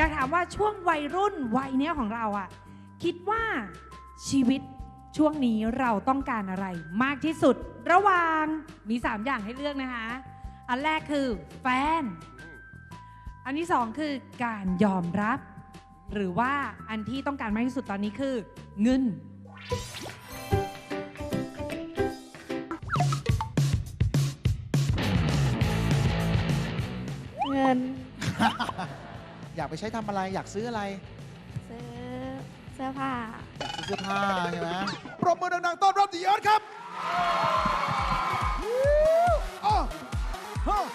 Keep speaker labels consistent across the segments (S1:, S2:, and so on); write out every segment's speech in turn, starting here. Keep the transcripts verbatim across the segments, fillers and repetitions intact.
S1: อยากถามว่าช่วงวัยรุ่นวัยเนี้ยของเราอะคิดว่าชีวิตช่วงนี้เราต้องการอะไรมากที่สุดระหว่างมีสามอย่างให้เลือกนะคะอันแรกคือแฟนอันที่สองคือการยอมรับหรือว่าอันที่ต้องการมากที่สุดตอนนี้คือเงิน
S2: เงิน
S3: อยากไปใช้ทำอะไรอยากซื้ออะไร
S2: ซื้อเสื้อผ้า
S3: อยากซื้อเสื้อผ้าใช่ไหมปรบมือดังๆต้อนรับดีเอิร์ธครับอ้าวอ้าว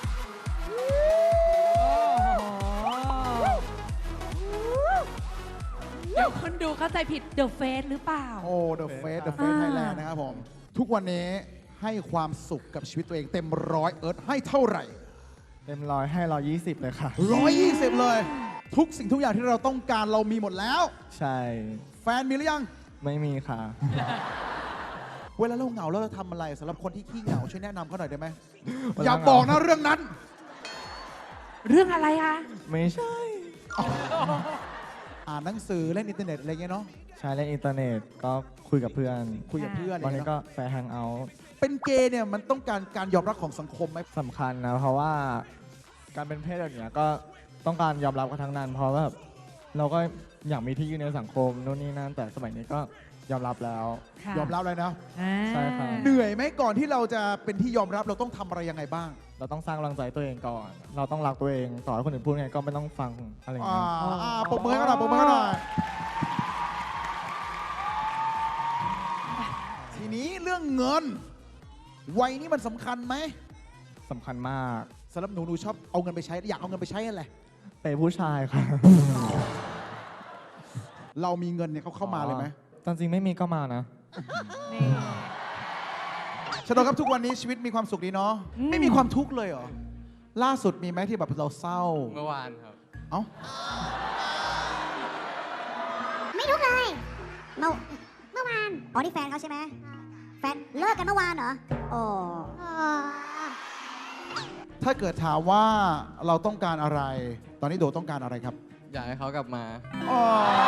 S1: เดี๋ยวคนดูเข้าใจผิด The Face หรือเปล่า
S3: โอ้ The Face The Face Thailand นะครับผม ทุกวันนี้ให้ความสุขกับชีวิตตัวเองเต็มร้อยเอิร์ธให้เท่าไหร่
S4: เต็มร้อยให้ร้อยยี่สิบเลยค่ะ
S3: ร้อยยี่สิบเลย ทุกสิ่งทุกอย่างที่เราต้องการเรามีหมดแล้ว
S4: ใช่
S3: แฟนมีหรือยัง
S4: ไม่มีค่ะ
S3: เวลาเราเหงาแล้วเราทำอะไรสำหรับคนที่ขี้เหงาช่วยแนะนำเขาหน่อยได้ไหม
S4: เวลา
S3: อย่าบอกนะเรื่องนั้น
S1: เรื่องอะไรคะ
S4: ไม่ใช่
S3: อ่านหนังสือเล่นอินเทอร์เน็ตอะไรเงี้ยเนาะ
S4: ใช้เล่นอินเทอร์เน็ตก็คุยกับเพื่อน
S3: คุยกับเพื่อน
S4: ตอนนี้
S3: เย
S4: ก็แฟร์แฮงเอาท์
S3: เป็นเกย์เนี่ยมันต้องการการยอมรับของสังคมไหม
S4: สำคัญนะ เพราะว่าการเป็นเพศแบบเนี้ยก็ต้องการยอมรับกันทั้งนั้น เพราะว่าแบบเราก็อยากมีที่ยืนในสังคมนู่นนี่นั่นแต่สมัยนี้ก็ยอมรับแล้ว
S1: ค่ะ
S3: ยอมรับเลยนะ
S1: อ่า
S4: ใช่ครับ
S3: เหนื่อยไหมก่อนที่เราจะเป็นที่ยอมรับเราต้องทำอะไรยังไงบ้าง
S4: เราต้องสร้างกำลังใจตัวเองก่อน เราต้องรักตัวเองต่อให้คนอื่นพูดไงก็ไม่ต้องฟังอะไรอย่าง
S3: อ่า
S4: เงี้ย
S3: อ่าปรบมือให้กันหน่อยปรบมือให้กันหน่อยทีนี้เรื่องเงิน วัยนี้มันสำคัญไหม
S4: สำคัญมาก
S3: สำหรับหนูหนูชอบเอาเงินไปใช้อยากเอาเงินไปใช้อะไร
S4: เปย์ผู้ชายค่ะ
S3: เรามีเงินเนี่ยเขาเข้ามาเลยไหม
S4: ตอนจริงไม่มีก็มานะ
S1: นี่
S3: ชโดครับทุกวันนี้ชีวิตมีความสุขดีเนาะ
S1: อืม
S3: ไม่มีความทุกข์เลยเหรอล่าสุดมีไหมที่แบบเราเศร้า
S5: เมื่อวานครับ
S3: เอ้า
S6: ไม่ทุกเลย เมื่อเมื่อวาน อ๋อ นี่แฟนเขาใช่ไหม แฟนเลิกกันเมื่อวานเหรอ โอ้
S3: ถ้าเกิดถามว่าเราต้องการอะไร ตอนนี้โดต้องการอะไรครับ
S5: อยากให้เขากลับมา
S3: อ๋อ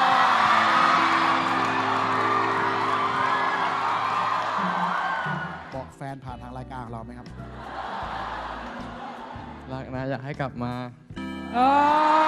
S3: บอกแฟนผ่านทางรายการของเราไหมครับ
S5: รักนะอยากให้กลับมา
S1: โอ้